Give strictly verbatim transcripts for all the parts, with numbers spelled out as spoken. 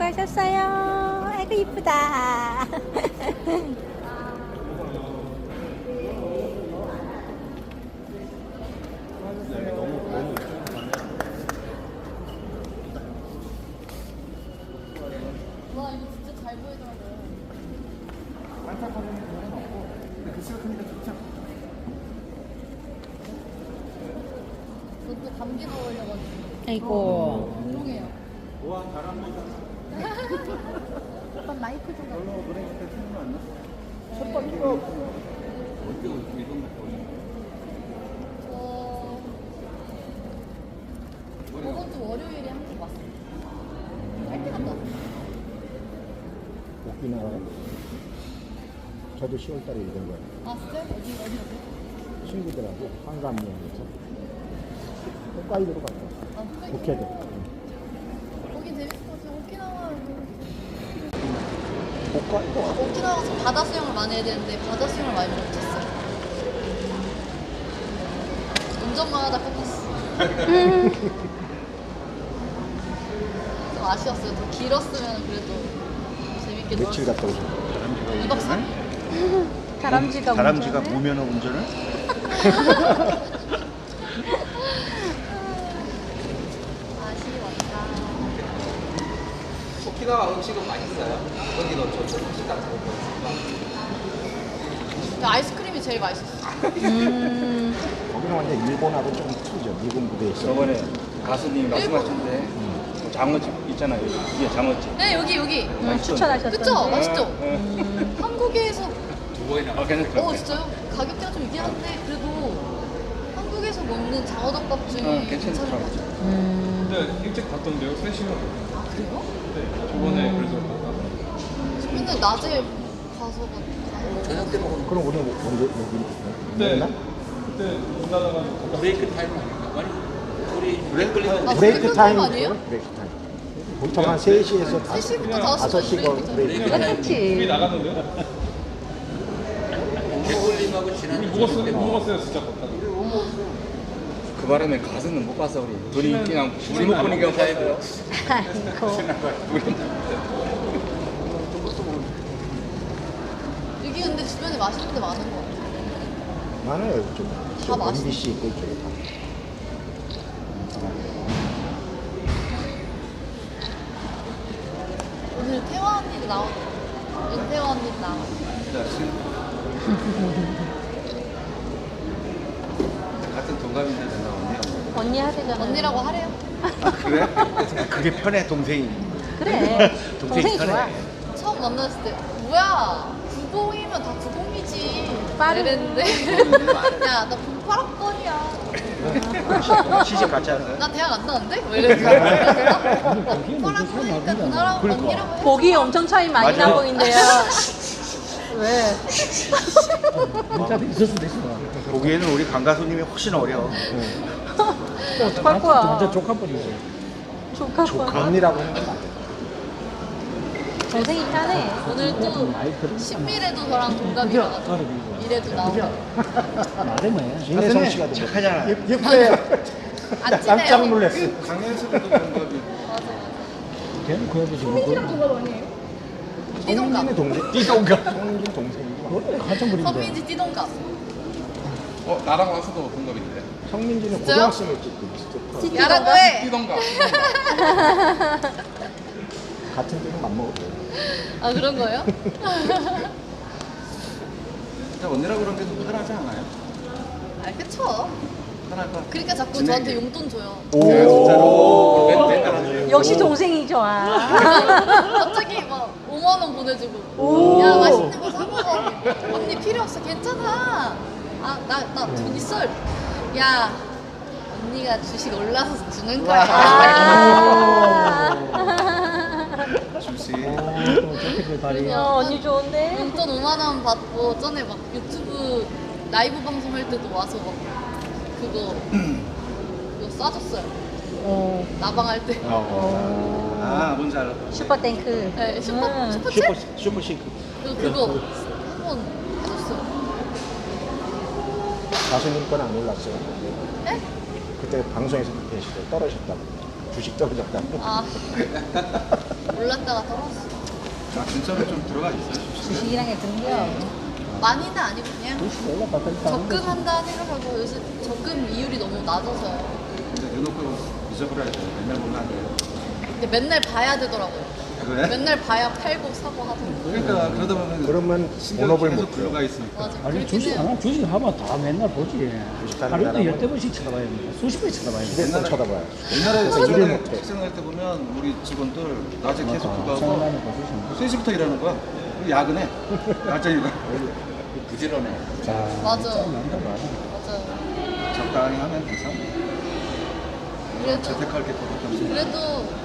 수고하셨어요. 아이고 이쁘다. 와 이거 진짜 잘 보이더라고요. 반짝하는 경우는 없고 근데 글씨가 크니까 좋죠. 저도 감기 걸려가지고 아이고. 운동해요. 우와 잘합니다. 오빠 마이크 좀 봐. 별로 노래 그때 생각 안 나? 첫 번째가 어떻게 이런 거 보니? 저 저번 주 월요일에 한국 왔어요. 할때 갔다 왔어요. 오키나와. 저도 시월 달에 이런 거예요. 아 진짜? 어디 어디 어디? 친구들하고 한강여행에서 홋카이도로 갔다 왔어요. 아 홋카이도? 북해도. 거긴 재밌을 것 같아요. 오키나와 홋카이도. 오키나와 가서 바다 수영을 많이 해야 되는데 바다 수영을 많이 못했어요. 운전만 하다 끝났어. 좀 아쉬웠어요. 더 길었으면 그래도 재밌게 며칠 놀았을 갔다 오셨어요? 이박 삼 일? 다람쥐가 다람쥐가 운전을? 무면허 운전을? 아쉬웠다. 오키나와 음식은 맛있어요. 거기도 조촌 음식 같은 거 있으니까. 근데 아이스크림이 제일 맛있었어. 음. 거기는 완전 일본하고 좀 틀리죠. 일본 무대에 있어. 저번에 가수님이 말씀하셨는데 뭐 장어집 있잖아요. 이게 장어집. 네 여기 여기. 음, 추천하셨던데. 그쵸? 맛있죠? 음. 한국에서 두 번이나. 어, 괜찮더라고요. 어 진짜요? 가격대가 좀 있긴 한데 그래도 한국에서 먹는 장어덮밥 중에 어, 괜찮은 것 괜찮더라고요. 같아요. 음. 근데 일찍 갔던데요? 세 시간. 아 그래요? 네, 저번에 그래서 갔다. 맨날 낮에 가서 가. 저녁 때 먹으면 그럼 우리 언제 여기 그때 있나? 그때 못 나다가 브레이크 타임 아닌가? 아니 우리 브레이크 걸리면 아, 브레이크 브레이크 타임 타임 아니에요? 브레이크 타임. 보통 한 세 시에서 세 시부터 다섯 다섯 시까지 시간 브레이크 브레이크 타임. 타임. 우리 그렇지. 나갔는데요? 개걸림하고 지난 우리 먹었어요, 못 먹었어요, 진짜 걷다가. 그 바람에 가수는 못 봤어 우리. 둘이 그냥 우리 못 보니까 봤어요. 아이고. 여기 근데 주변에 맛있는 데 많은 것 같아요. 많아요 이쪽. 다 맛있어. 엠비씨 있고 이쪽에 다. 오늘 태화 언니도 나오고 윤태화 언니도 나오고 같은 동갑인데 내가 언니라고. 언니 하대잖아. 언니라고 하래요. 그래? 그게 편해 동생이. 그래. 동생이 동생이 좋아. 편해. 처음 만났을 때 뭐야 구공이면 다 구공이지 빠르. 이랬는데 야나 공팔 학번이야 시집 갔지 않아요? 나 대학 안 나왔는데? 뭐 이랬는데 공팔 학번이니까 누나랑 언니라고 해. 보기 엄청 차이 많이 맞아. 나 보인대요. 왜? 보기에는 우리 강 가수님이 훨씬 어려. 어떡할 거야? 완전 조카뻘이지. 조카뻘. 조카언니라고 하는 건 맞아요. 동생이 편해. 오늘 또 신미래도 저랑 동갑이라가지고 미래도 나오고 진혜성 씨가 또 착하잖아. 예뻐요. 안 친해요. 깜짝 놀랐어. 강현수도 동갑이. 걔는 그 애도 지금 띠동갑 성민이 동생. 띠동갑. 성민 동생이고. 한참 선민지 띠동갑 어, 나랑 와서도 동갑인데. 성민지는 진짜요? 고등학생이었지. 진짜 야라고 해. 띠동갑. 같은 때는 안 먹었대. 아 그런 거예요? 근데 언니라고 그런 게 좀 편하지 않아요? 아 그쵸. 편할 것 같아. 그러니까 자꾸 진행해. 저한테 용돈 줘요. 진짜로? 맨- 맨날 하죠. 역시 동생이 좋아. 갑자기 막 오만 원 보내주고 야 맛있는 거 사 먹어. 언니 필요 없어 괜찮아. 아 나 나 돈 있어. 야 언니가 주식 올라서 주는 거야. 아. 주시. 어, 언니 좋은데? 용돈 오만 원 받고 전에 막 유튜브 라이브 방송할 때도 와서 막 그거 그거 싸줬어요. 어. 나방할 때. 어. 아, 뭔지 알아. 슈퍼탱크. 네, 슈퍼 음. 슈퍼챗 슈퍼 슈퍼싱크. 그리고 그거 한번 해줬어요. 가수님 건 안 올랐어요. 네? 그때 방송에서 계실 때 떨어졌다고. 주식 떨어졌다. 아 올랐다가 떨어졌어. 아, 진짜로 좀 들어가 있어요. 주식이란 게 그런 거야. 많이는 아니고 그냥 주식 올라갔다 적금한다 생각하고 요새 적금 이율이 너무 낮아서요. 근데 대놓고 잊어버려야 돼요. 맨날 보면 안 돼요. 근데 맨날 봐야 되더라고요. 그래? 맨날 봐야 팔고 사고 하더라고요. 그러니까 그러다 보면 그러면 신경이 본업을 계속 못 들어가 해요. 있으니까. 맞아. 아니 그렇긴 주식 해요. 하나 주식 하면 다 맨날 보지. 주식 하는 하루에도 사람은 열대 번씩 쳐다봐야 됩니다. 수십 번 쳐다봐야 돼. 휴대폰 쳐다봐요. 옛날에 그래서 일을 예전에 못해. 학생할 때 보면 우리 직원들 낮에 계속 그거 생각나는 하고 거 주식. 세 시부터 일하는 거야. 그리고 야근해. 낮에 일하. 부지런해. 자, 맞아. 난다 봐. 맞아요. 적당히 하면 괜찮아. 그래도 재택할 게 그것도 없어. 그래도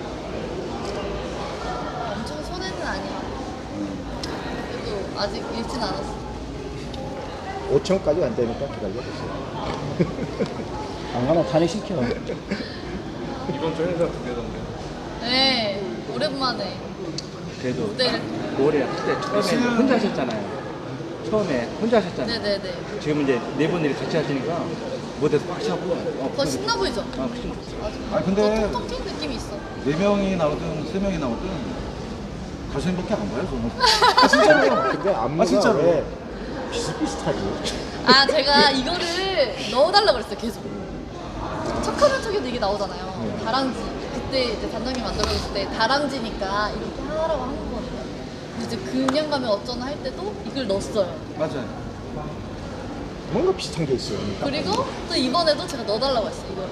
엄청 손해는 아니야. 그래도 아직 잃진 않았어. 오천까지 안 되니까 기다려보세요. 안 가면 탄핵시켜. 이번 주 행사 두 개던데. 네, 오랜만에. 그래도 네, 올해 그때 처음에 혼자 하셨잖아요. 처음에 혼자 하셨잖아요. 네네네. 지금 이제 네 분들이 같이 하시니까 무대에서 꽉 차고. 어, 더 신나 보이죠? 아, 그좀 맞아. 아, 근데- 더 통통 튄 느낌이 있어. 네 명이 나오든 세 명이 나오든 가수님밖에 안 봐요, 저는. 아, 진짜로. 근데 안무가 아, 진짜로. 왜 비슷비슷하지? 아, 제가 이거를 넣어달라고 그랬어요, 계속. 척하면 척에도 이게 나오잖아요. 다랑쥐. 그때 이제 단장님 만들어줬을 때 다랑쥐니까 이렇게 하라고 한 거거든요. 근데 이제 그냥 가면 어쩌나 할 때도 이걸 넣었어요. 맞아요. 뭔가 비슷한 게 있어요. 그리고 또 이번에도 제가 넣어달라고 했어요, 이거를.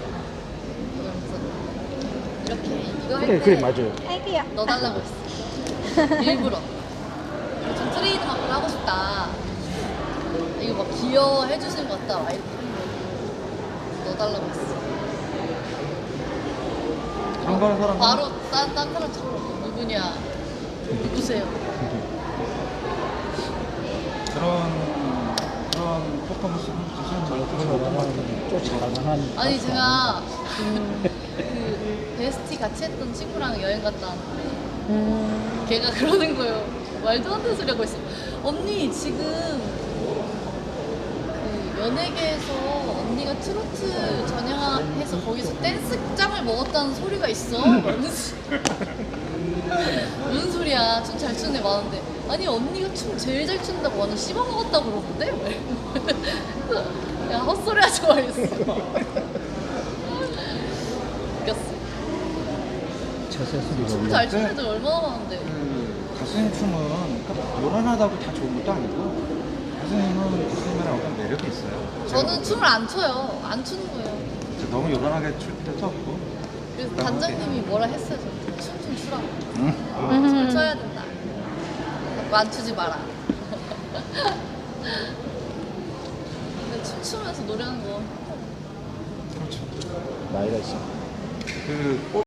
그래서 이렇게 이거 할 그래, 때 그래, 맞아요. 넣어달라고 했어. 일부러. 좀 트레이드 마크를 하고 싶다. 이거 막 기여해 주시는 것 같다. 막 이렇게 넣어달라고 했어. 그런 거 하는 사람은 바로 딴, 딴 사람 찾고 누구냐? 누구세요? 그런 그런 퍼포먼스는 사실 잘 못하는 쫓아가는. 아니 제가 그, 그 베스티 같이 했던 친구랑 여행 갔다 왔는데 음, 걔가 그러는 거예요. 말도 안 되는 소리 하고 있어. 언니 지금 그 연예계에서 언니가 트로트 전향해서 거기서 댄스장을 먹었다는 소리가 있어. 무슨 무슨 소리야? 춤 잘 추는 애 많은데 아니 언니가 춤 제일 잘 춘다고 완전 씹어먹었다고 그러는데? 야 헛소리 하지 말랬어. 웃겼어. 처세술이 춤 잘 추는 애들 얼마나 많은데. 그 가수님 춤은 그러니까 요란하다고 다 좋은 것도 아니고 가수님은 가수님이랑 어떤 매력이 있어요. 저는 춤을 안 춰요. 안 추는 거예요. 제가 너무 요란하게 출 필요도 없고. 그래서 단장님이 뭐라 했어요. 춤 좀 추라고. 응? 춤을 춰야 된다. 자꾸 안 추지 마라. 근데 춤추면서 노래하는 거 그렇죠. 나이가 있어. 그